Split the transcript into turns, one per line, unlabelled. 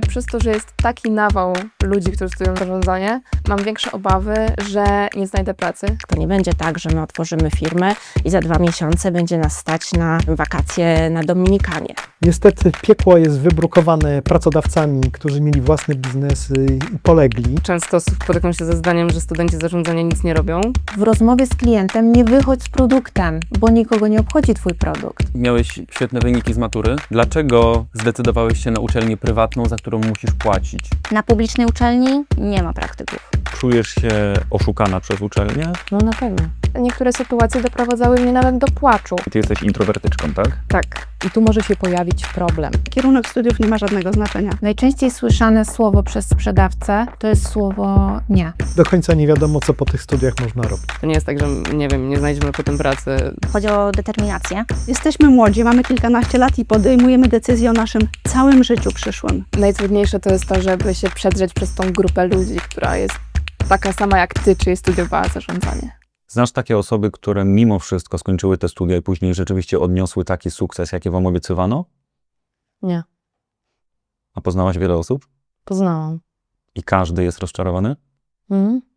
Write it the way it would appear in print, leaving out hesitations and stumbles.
przez to, że jest taki nawał ludzi, którzy studiują zarządzanie, mam większe obawy, że nie znajdę pracy.
To nie będzie tak, że my otworzymy firmę i za 2 miesiące będzie nas stać na wakacje na Dominikanie.
Niestety piekło jest wybrukowane pracodawcami, którzy mieli własne biznesy i polegli.
Często spotykam się ze zdaniem, że studenci zarządzania nic nie robią.
W rozmowie z klientem nie wychodź z produktem, bo nikogo nie obchodzi twój produkt.
Miałeś świetne wyniki z matury. Dlaczego zdecydowałeś się na uczelnię prywatną, za którą musisz płacić?
Na publicznej uczelni nie ma praktyków.
Czujesz się oszukana przez uczelnię?
No na pewno.
Niektóre sytuacje doprowadzały mnie nawet do płaczu.
Ty jesteś introwertyczką, tak?
Tak.
I tu może się pojawić problem.
Kierunek studiów nie ma żadnego znaczenia.
Najczęściej słyszane słowo przez sprzedawcę to jest słowo nie.
Do końca nie wiadomo, co po tych studiach można robić.
To nie jest tak, że nie wiem, nie znajdziemy potem pracy.
Chodzi o determinację.
Jesteśmy młodzi, mamy kilkanaście lat i podejmujemy decyzje o naszym całym życiu przyszłym.
Najtrudniejsze to jest to, żeby się przedrzeć przez tą grupę ludzi, która jest taka sama jak ty, czyli studiowała zarządzanie.
Znasz takie osoby, które mimo wszystko skończyły te studia i później rzeczywiście odniosły taki sukces, jaki wam obiecywano?
Nie.
A poznałaś wiele osób?
Poznałam.
I każdy jest rozczarowany?
Mhm.